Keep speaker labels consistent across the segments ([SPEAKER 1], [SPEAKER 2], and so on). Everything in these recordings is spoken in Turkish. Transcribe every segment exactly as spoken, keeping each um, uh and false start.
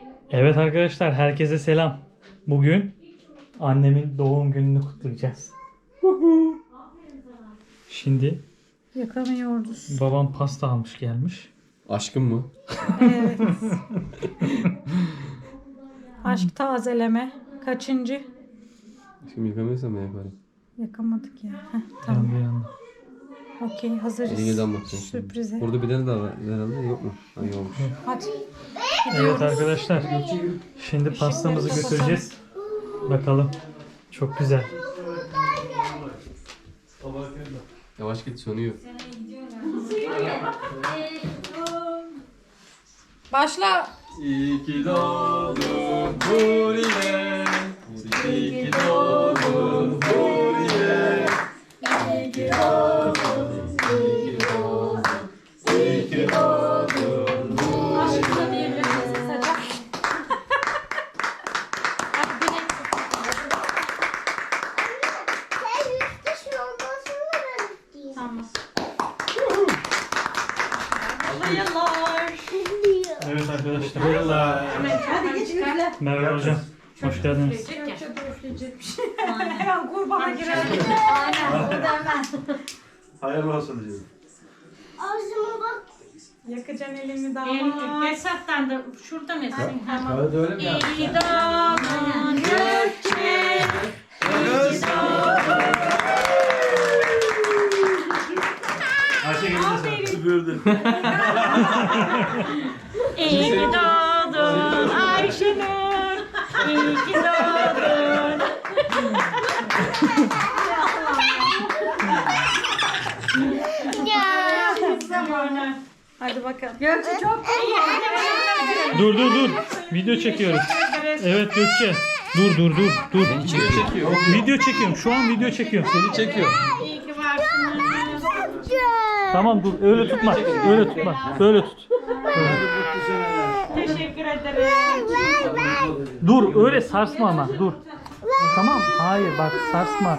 [SPEAKER 1] Evet arkadaşlar, herkese selam. Bugün annemin doğum gününü kutlayacağız. Şimdi
[SPEAKER 2] Yakamıyoruz.
[SPEAKER 1] babam pasta almış gelmiş.
[SPEAKER 3] Aşkım mı?
[SPEAKER 2] Evet. Aşk tazeleme. Kaçıncı?
[SPEAKER 3] Aşkım yıkamıyorsam ben yaparım.
[SPEAKER 2] Yakamadık ya. Heh,
[SPEAKER 1] Tamam.
[SPEAKER 2] tamam.
[SPEAKER 1] Bir anda.
[SPEAKER 2] Okey, hazırız.
[SPEAKER 3] Elingeden bakacağım şimdi.
[SPEAKER 2] Sürprize.
[SPEAKER 3] Burada bir tane daha var herhalde, yok mu? Ha, yokmuş.
[SPEAKER 2] Hadi.
[SPEAKER 1] Evet arkadaşlar, şimdi pastamızı götüreceğiz. Bakalım. Çok güzel.
[SPEAKER 3] Yavaş git, sönüyor.
[SPEAKER 2] Başla.
[SPEAKER 3] İyi ki doğdun Huriye. İyi ki doğdun Huriye. İyi ki doğdun, iyi ki doğdun, iyi ki doğdun
[SPEAKER 2] Aşkına diyebilirsin kısaca. Hadi güneş. Tamam. Hayırlar.
[SPEAKER 1] Evet arkadaşlar. Merhaba.
[SPEAKER 2] Hadi geç üfle.
[SPEAKER 1] Merhaba hocam. Hoş geldiniz.
[SPEAKER 2] Hemen kurbana girelim.
[SPEAKER 4] Aynen, o da hemen.
[SPEAKER 5] Hayırlı olsun diyorum.
[SPEAKER 4] Ağzıma bak.
[SPEAKER 2] Yakacaksın elini daha.
[SPEAKER 6] Esat'tan da şurada mısın? Tamam.
[SPEAKER 5] Öyle öyle mi ya?
[SPEAKER 6] İyi doğdun Gökçe.
[SPEAKER 5] Ayşe geldi sen. Süpürdün.
[SPEAKER 6] İyi ki doğdun Ayşenur. İyi ki doğdun.
[SPEAKER 2] Hadi bakalım.
[SPEAKER 6] Gökçe çok iyi.
[SPEAKER 1] Dur dur dur. Video çekiyoruz. Evet Gökçe. Dur dur dur dur.
[SPEAKER 3] çekiyor.
[SPEAKER 1] Video çekiyorum. Şu an video çekiyorum.
[SPEAKER 3] Seni çekiyor.
[SPEAKER 6] İyi ki varsın.
[SPEAKER 1] Tamam dur. Öyle tutma. Öyle tutma. Böyle tut.
[SPEAKER 6] Teşekkür ederim.
[SPEAKER 1] Dur öyle sarsma ama. Dur. Tamam. Hayır bak sarsma.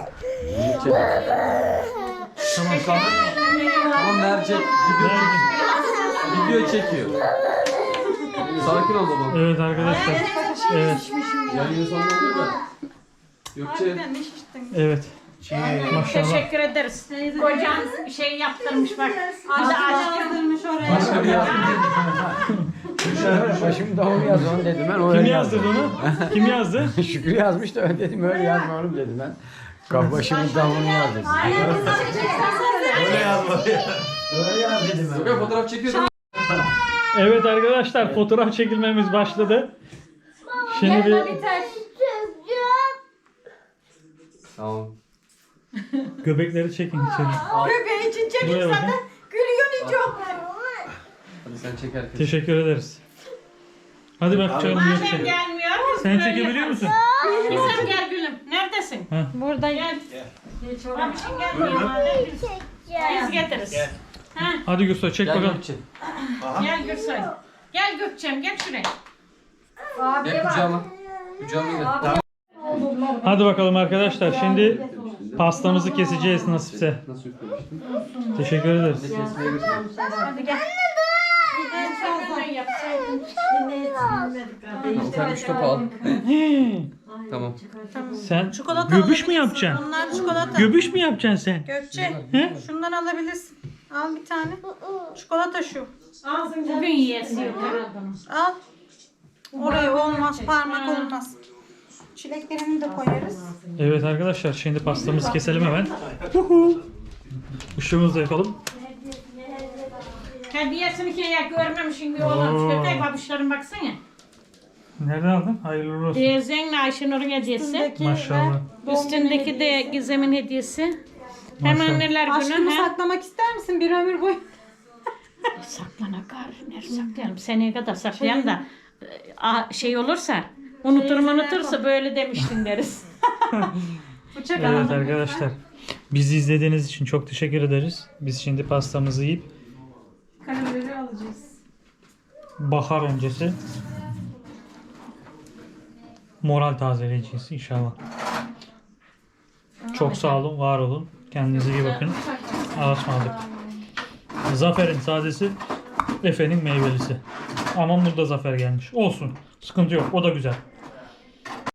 [SPEAKER 1] Tamam tamam.
[SPEAKER 3] Tamam Mercek, video çekiyor. Video çekiyor. Sakin ol babam.
[SPEAKER 1] Evet arkadaşlar. Evet.
[SPEAKER 3] Yayının sonunda olur da. Gökçe.
[SPEAKER 1] Evet. Maşallah.
[SPEAKER 6] Teşekkür ederiz. Kocan şey yaptırmış bak. Adı aşkım.
[SPEAKER 2] oraya.
[SPEAKER 3] Başka bir yer.
[SPEAKER 7] Başım doğum yaz onu dedim ben.
[SPEAKER 1] Kim
[SPEAKER 7] Öyle
[SPEAKER 1] yazdı bunu? Kim yazdı?
[SPEAKER 7] Şükrü yazmış da ben dedim öyle yazma oğlum dedim ben. Kaf başımın davulunu yaz dedim.
[SPEAKER 5] Öyle yazma ya.
[SPEAKER 7] Öyle yaz dedim ben.
[SPEAKER 3] Gökçe fotoğraf çekiyor değil mi?
[SPEAKER 1] Evet arkadaşlar fotoğraf çekilmemiz başladı. Şimdi bir
[SPEAKER 3] Tamam.
[SPEAKER 1] göbekleri çekin içeri.
[SPEAKER 2] Bebeği için çekin
[SPEAKER 1] Buraya bakın.
[SPEAKER 2] zaten. Gülüyorsun hiç yok.
[SPEAKER 3] Hadi sen çek herkes.
[SPEAKER 1] Teşekkür ederiz. Hadi bak canım
[SPEAKER 6] Madem
[SPEAKER 1] Gökçe.
[SPEAKER 6] gelmiyor. biz
[SPEAKER 1] Sen
[SPEAKER 6] böyle
[SPEAKER 1] çekebiliyor
[SPEAKER 6] yaparız.
[SPEAKER 1] musun?
[SPEAKER 6] Gizem gel gülüm. Neredesin?
[SPEAKER 2] Buradayım.
[SPEAKER 6] Gel. Babişin gelmiyor madem. Biz, biz getiririz. Ha,
[SPEAKER 1] Hadi Gülsoy çek
[SPEAKER 3] Gel
[SPEAKER 1] bakalım.
[SPEAKER 3] Gökçe.
[SPEAKER 6] gel Gülsoy. Gel Gökçem gel şuraya.
[SPEAKER 3] Gel kucağıma. Kucağıma gel.
[SPEAKER 1] Hadi bakalım arkadaşlar. Şimdi pastamızı keseceğiz nasipse.
[SPEAKER 3] Nasıl üflemiştin?
[SPEAKER 1] Teşekkür ederiz.
[SPEAKER 3] Kesmeye götürdüm.
[SPEAKER 2] Hadi gel.
[SPEAKER 6] Sen yapsaydın.
[SPEAKER 3] Tamam, sen üç topu al. Tamam.
[SPEAKER 1] Sen
[SPEAKER 2] Çikolata
[SPEAKER 1] göbüş mü
[SPEAKER 2] alabilirsin.
[SPEAKER 1] yapacaksın?
[SPEAKER 2] Onlar çikolata.
[SPEAKER 1] Göbüş mü yapacaksın sen?
[SPEAKER 2] Gökçe.
[SPEAKER 1] He?
[SPEAKER 2] Şundan alabilirsin. Al bir tane. Çikolata şu.
[SPEAKER 6] Bugün yiyesi yok herhalde.
[SPEAKER 2] Al. Oraya olmaz. Parmak olmaz. Çileklerini de koyarız.
[SPEAKER 1] Evet arkadaşlar şimdi pastamızı keselim hemen. Huhu. Işığımızı da yakalım.
[SPEAKER 6] Hediyesini ki ya görmemişsin bir oğlan.
[SPEAKER 1] Oo.
[SPEAKER 6] Köpek babişlerin baksana.
[SPEAKER 1] Nereden aldın? Hayırlı uğurlu olsun.
[SPEAKER 6] Teyzenle Ayşenur'un hediyesi.
[SPEAKER 2] Üstündeki
[SPEAKER 1] Maşallah.
[SPEAKER 2] ve
[SPEAKER 6] Üstündeki de Gizem'in hediyesi.
[SPEAKER 1] Maşallah.
[SPEAKER 6] Hemen neler
[SPEAKER 2] aşkımı
[SPEAKER 6] günü ha?
[SPEAKER 2] saklamak ister misin bir ömür boyu?
[SPEAKER 6] Saklana kar. Nerede saklayalım? Seneye kadar saklayalım da e, a- şey olursa unuturum unutursa böyle demiştin deriz.
[SPEAKER 2] Bıçak
[SPEAKER 1] Evet
[SPEAKER 2] alalım.
[SPEAKER 1] arkadaşlar. Bizi izlediğiniz için çok teşekkür ederiz. Biz şimdi pastamızı yiyip
[SPEAKER 2] Karabiber'i alacağız.
[SPEAKER 1] bahar öncesi moral tazeleyeceğiz inşallah. Çok sağ olun, var olun. Kendinize iyi bakın. Ağaç aldık. Zafer'in sadesi, Efe'nin meyvelisi. Ama burada zafer gelmiş. Olsun. Sıkıntı yok. O da güzel.